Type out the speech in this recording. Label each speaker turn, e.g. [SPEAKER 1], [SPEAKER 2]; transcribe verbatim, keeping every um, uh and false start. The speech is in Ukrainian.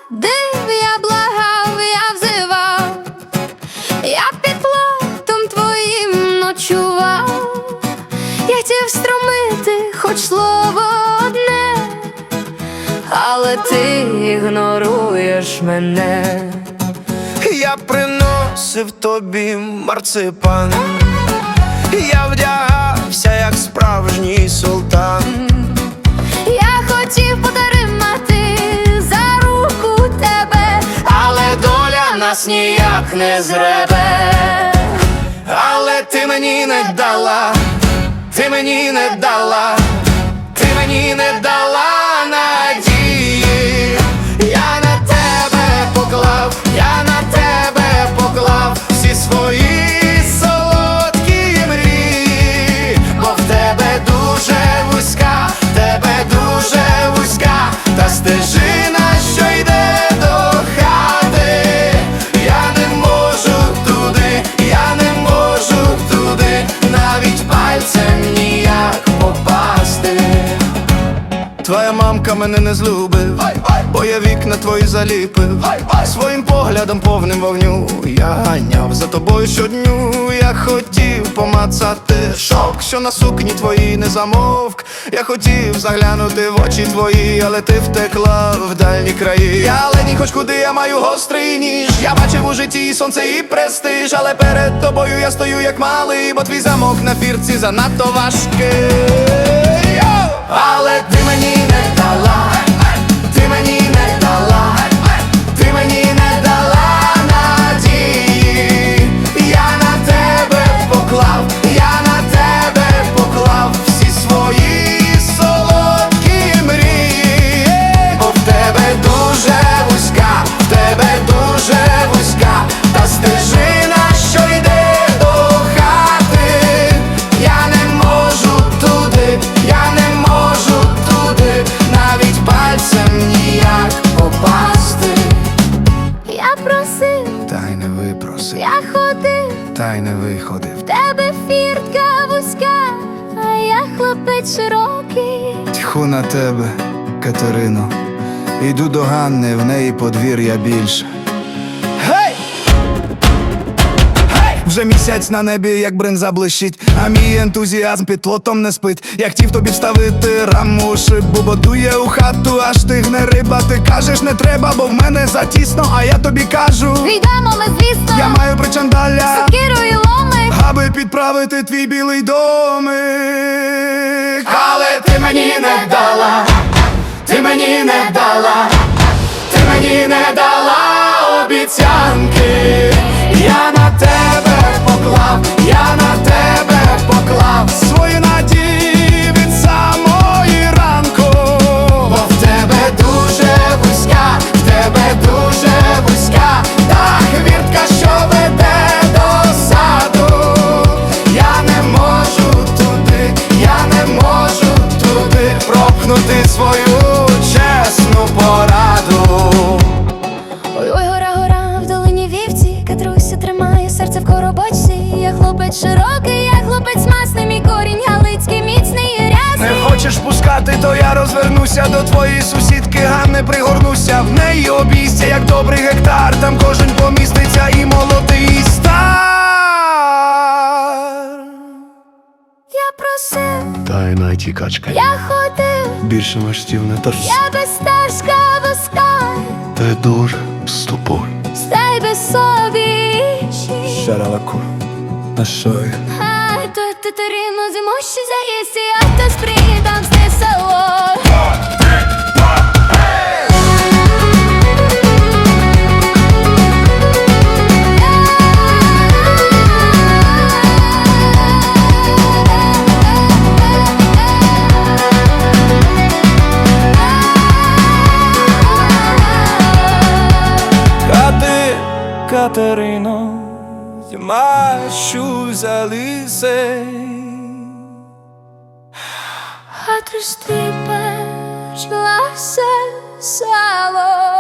[SPEAKER 1] ходив, я благав, я взивав, я під плотом твоїм ночував, я хотів встромити хоч слово одне, але ти ігноруєш мене.
[SPEAKER 2] Я приносив тобі марципан, я вдягався, як справжній султан.
[SPEAKER 1] Я хотів потримати за руку тебе,
[SPEAKER 2] Але доля нас ніяк не зребе. Але ти мені не дала, ти мені не дала, ти мені не дала надії. Я на тебе поклав, я на тебе поклав всі свої солодкі мрії, бо в тебе дуже вузька, в тебе дуже вузька та стежина, що йде до хати. Я не можу туди, я не можу туди, навіть пальцем ніяк попасти. Твоя мамка мене не злюбив, бо я вікна твої заліпив. Своїм поглядом повним вогню я ганяв за тобою щодню. Я хотів помацати шовк, що на сукні твоїй не замовк. Я хотів заглянути в очі твої, але ти втекла в дальні краї. Я ледь хоч куди, я маю гострий ніж. Я бачив у житті і сонце, і престиж, але перед тобою я стою як малий, бо твій замок на фірці занадто важкий. Але ти мені не дала, ти мені не дала, ти мені не дала надії. Я на тебе поклав, я на тебе поклав всі свої солодкі мрії, бо в тебе дуже вузька, в тебе дуже вузька та стежина, що йде до хати. Я не можу туди, я не можу туди, навіть пальцем ніяк попасти.
[SPEAKER 1] я просив,
[SPEAKER 2] Та й не випросив,
[SPEAKER 1] я ходив,
[SPEAKER 2] та й не виходив.
[SPEAKER 1] в тебе фіртка вузька, а я хлопець широкий.
[SPEAKER 2] Тьху на тебе, Катерино, іду до Ганни, в неї подвір'я більше. Гей! Гей! Вже місяць на небі, як бринза блищить, а мій ентузіазм під плотом не спить. Я хотів тобі вставити раму у шибу, бо дує у хату, аж стигне риба. Ти кажеш не треба, бо в мене затісно, а я тобі кажу,
[SPEAKER 1] Йдемо ми, звісно,
[SPEAKER 2] я маю причандаля,
[SPEAKER 1] сокиру і ломик,
[SPEAKER 2] аби підправити твій білий домик. Але ти мені не дала, ти мені не дала, ти мені не дала обіцянки. Я на тебе поклав, я на тебе поклав свої надії від самої ранку, бо в тебе дуже вузька, в тебе дуже вузька та хвіртка, що веде до саду. Я не можу туди, я не можу туди пропнути свою чесну пораду.
[SPEAKER 1] ой, ой, гора, гора, в долині вівці, Катруся тримає серце в коробочці. Я хлопець широкий, я хлопець масний, мій корінь галицький, міцний і
[SPEAKER 2] Не
[SPEAKER 1] рясний.
[SPEAKER 2] хочеш пускати, то я розвернуся до твоєї сусідки Ганни, пригорнуся, в неї обійстя, як добрий гектар, там кожен поміститься, і молодий, і стар.
[SPEAKER 1] Я просив,
[SPEAKER 2] Тайна тікачка,
[SPEAKER 1] я ходив,
[SPEAKER 2] більше маштів не торс.
[SPEAKER 1] я без стежка вузька,
[SPEAKER 2] Ти дуже з тобою.
[SPEAKER 1] стай без собі.
[SPEAKER 2] Шаралаку, на шої.
[SPEAKER 1] А то Катерино, зимощі заїсти, а то спритам сте село.
[SPEAKER 2] Кати, Катерино, зимащу за лисей.
[SPEAKER 1] А ти стріпеш гласе сало.